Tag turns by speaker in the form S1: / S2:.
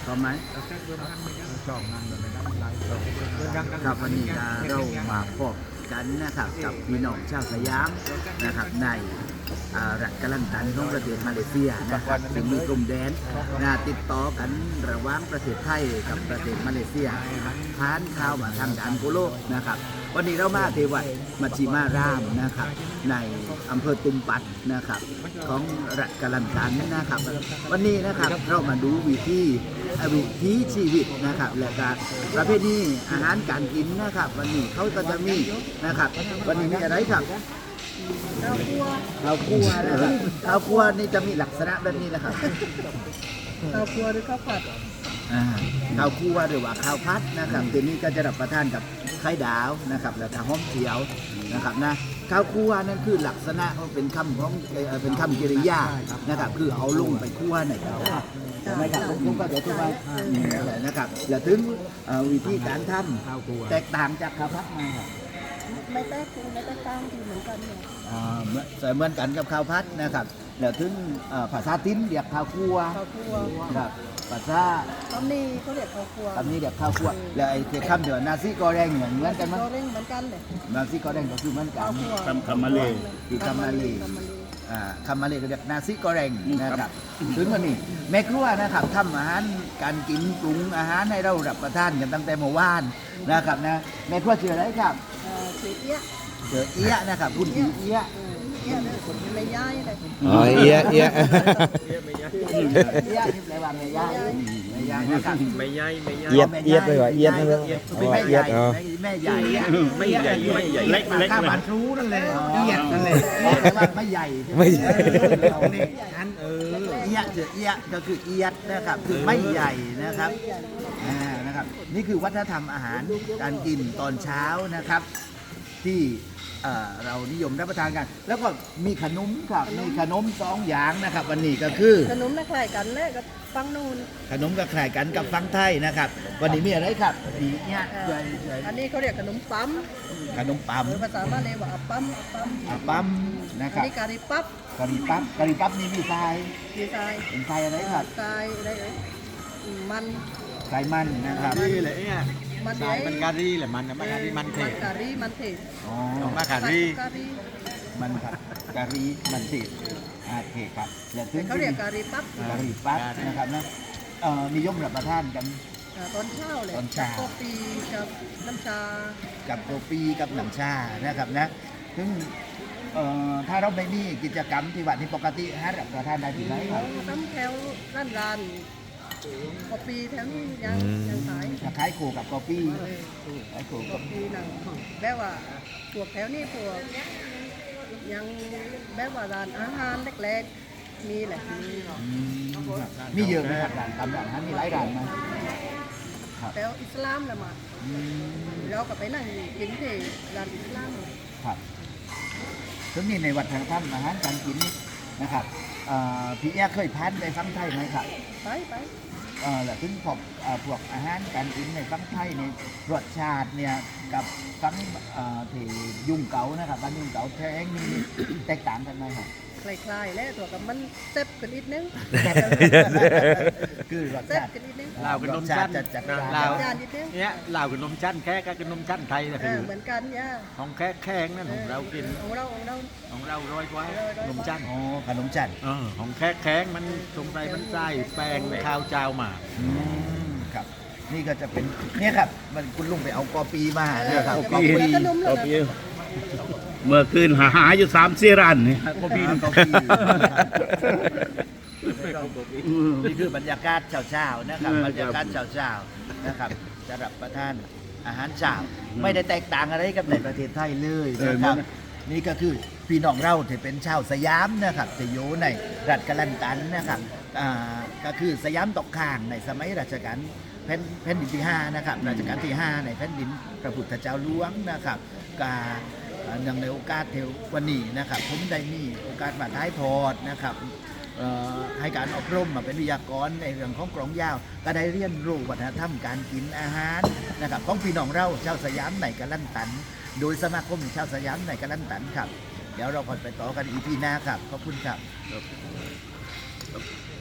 S1: อไหมครับวันนี้เรามาพบกันนะครับกับพี่น้องชาวสยามนะครับในรัฐกะลันตันของประเทศมาเลเซียนะครับซึ่งมีกลุ่มแดนติดต่อกันระหว่างประเทศไทยกับประเทศมาเลเซียผ่านข่าวมาทางด่านโกโลกนะครับวันนี้เรามาที่วัดมัชชิมารามนะครับในอำเภอตุมปัดนะครับของรัฐกะลันตันนะครับวันนี้นะครับเรามาดูวิถีชีวิตนะครับและการประเภทนี้อาหารการกินนะครับวันนี้เขาก็จะมีนะครับวันนี้มีอะไรครับข้าวคั่วนะครับข้าวคั่วนี่จะมีลักษณะแบบนี้นะครับ
S2: ข้าวคั่วหรือข้าวผัด
S1: ข้าวคั่วหรือว่าข้าวพัดนะครับตัวนี้ก็จะรับประทานกับไข่ดาวนะครับแล้วก็หอมเจียวนะครับนะข้าวคั่วนั่นคือลักษณะเป็นคำของเป็นคำกริยานะครับคือเอาลงไปคั่วในกระทะไม่ครับผมก็จะอธิบายนะครับแล้วถึงวิธีการทำแตกต่างจากข้าวพัดมาครับ
S2: ไม่แตกต่างที่เหมือนกันเนี่ย
S1: เหมือนกันกับข้าวพัดนะครับแล้วถึงภาษาทิ้นเรียกข้าวคั่วครับภาษา
S2: ตำนี้เขาเรียกข้าวคั่ว
S1: ตำนี้เรียกข้าวคั่วแล้วไอ้คำเดียวนาซิกอแรงเหมือนกันมั้ย
S2: กอแรงเหมือนกันเลย
S1: นาซิกอแรงก็คือเหมือนกัน
S3: คำมาเล
S1: คือคำมาเลคำมาเลก็เรียกนาซิกอแรงนะครับถึงวันนี้แม่ครัวนะครับทำอาหารการกินปรุงอาหารให้เรารับประทานกันตั้งแต่เมื่อวานนะครับนะแม่ครัวชื่ออะไรครับ
S2: ชื่อเอี้ย
S1: นะครับคุณผีเอี้ย
S2: ไม่ย้ายเลย
S3: เอี้ย
S1: นี่แปลว่าไม่ย้ายนะครับ
S3: ไม่ย้ายเอี้ยไปว่าเอี้ยนั่นเลย
S1: ไม่ใหญ่แม่ใหญ่
S3: ไม่ใหญ่เล็ก
S1: ข้าบ้านรู้นั่นเลยเอี้ยนั่นเลยแปลว่าไม่ใหญ่เอี้ยก็คือเอี้ยนะครับคือไม่ใหญ่นะครับนะครับนี่คือวัฒนธรรมอาหารการกินตอนเช้านะครับที่เรานิยมรับประทานกันแล้วก็มีขนมครับมีขนม2อย่างนะครับวันนี้ก็คือ
S2: ขนมคล้ายกันและกับฟังนูน
S1: ขนมก็คล้ายกันกับฟังไทยนะครับวันนี้มีอะไรครับเนี่ย
S2: อันนี้เขาเรียกขนมปั๊มภาษามาเลยว่า
S1: ปั๊มนะครับ
S2: นี่กะหรี่ปั๊บ
S1: นี่มีทรายเป็นทรายอะไรครับ
S2: ทรายอะไรมัน
S1: ทรายมันนะครับ
S3: นี่เลยเนี่ยมันการีแหละมันเทศ
S1: อ๋อ
S3: มาการี
S1: มันครับการีมันเทศเทศครับ
S2: เขาเรียกกะหรี่ปั๊บ
S1: นะครับนะนิยมรับประทานกัน
S2: ตอนเช้าเลยโกปีกับน้ำชา
S1: นะครับนะซึ่งถ้าเราไม่มีกิจกรรมที่วัดที่ปกติให้รับประทานได้ที่ไหนครับ
S2: น้ำแถวร้านกาแฟแถวนี้ยัง
S1: ขายโคกับกาแฟ
S2: ขายโคกับกาแฟนั่งแบบว่าพวกแถวนี้พวกยังแบบว่าร้านอาหารเล็กๆมีแหละ
S1: มีเยอะไหมครับร้านตามร้านอาหารมีหลายร้านไหม
S2: แถวอิสลามแหละมาเราก็ไปนั่งกินที่ร้านอิสลาม
S1: ครับซึ่งนี่ในวัดทางถ้ำอาหารการกินนะครับพี่แอ๊เคยผ่านไปฟังไทยไหมครับ
S2: ไป
S1: แล้วถึงพวกอาหารการกินในฟังไทยในรสชาติเนี่ยกับฟังที่ยุ่งเก๋านะครับบ้านยุ่งเก๋าแท้งนี่แตกต่างกันไหมครับ
S2: คล้ายๆแล้วตัวกับมันเซ็บกันนิดนึง
S1: คือรสชาติ
S3: ลาวกับนมชั้นลาวเนี่ยลาวกับนมชั้นแค่กับนมชั้นไทยนะคือ
S2: เหมือนกันเนี่ย
S3: ของแข้งนั่นของเรากิน
S2: ของเรา
S3: ร้อยกว่านมชั้น
S1: ขนมชั้น
S3: ของแข้งมันตรงไปมันใส่แป้งข้าวเจ้ามา
S1: ครับนี่ก็จะเป็นเนี่ยครับมันคุณลุงไปเอากอปีมานะครับ
S3: กอปีเมื่อคืนหาอยู่3-4 ร้านนี่
S1: กอปีนี่คือบรรยากาศเช้าๆนะครับบรรยากาศเช้าๆนะครับจะรับประทานอาหารเช้าไม่ได้แตกต่างอะไรกับในประเทศไทยเลยนะครับนี่ก็คือพี่น้องเราที่เป็นชาวสยามนะครับจะอยู่ในรัฐกะลันตันนะครับก็คือสยามตกข้างในสมัยรัชกาลแผ่นดินที่5นะครับรัชกาลที่5ในแผ่นดินพระพุทธเจ้าหลวงนะครับเนื่องในโอกาสเทววันนี้นะครับผมได้มีโอกาสมาท้ายทอดนะครับให้การอบรมมาเป็นวิทยากรในเรื่องของกลองยาวก็ได้เรียนรู้วัฒนธรรมการกินอาหารนะครับของพี่น้องเราชาวสยามในกะลันตันโดยสมาคมชาวสยามในกะลันตันครับเดี๋ยวเราไปต่อกันอีพีหน้าครับขอบคุณครับ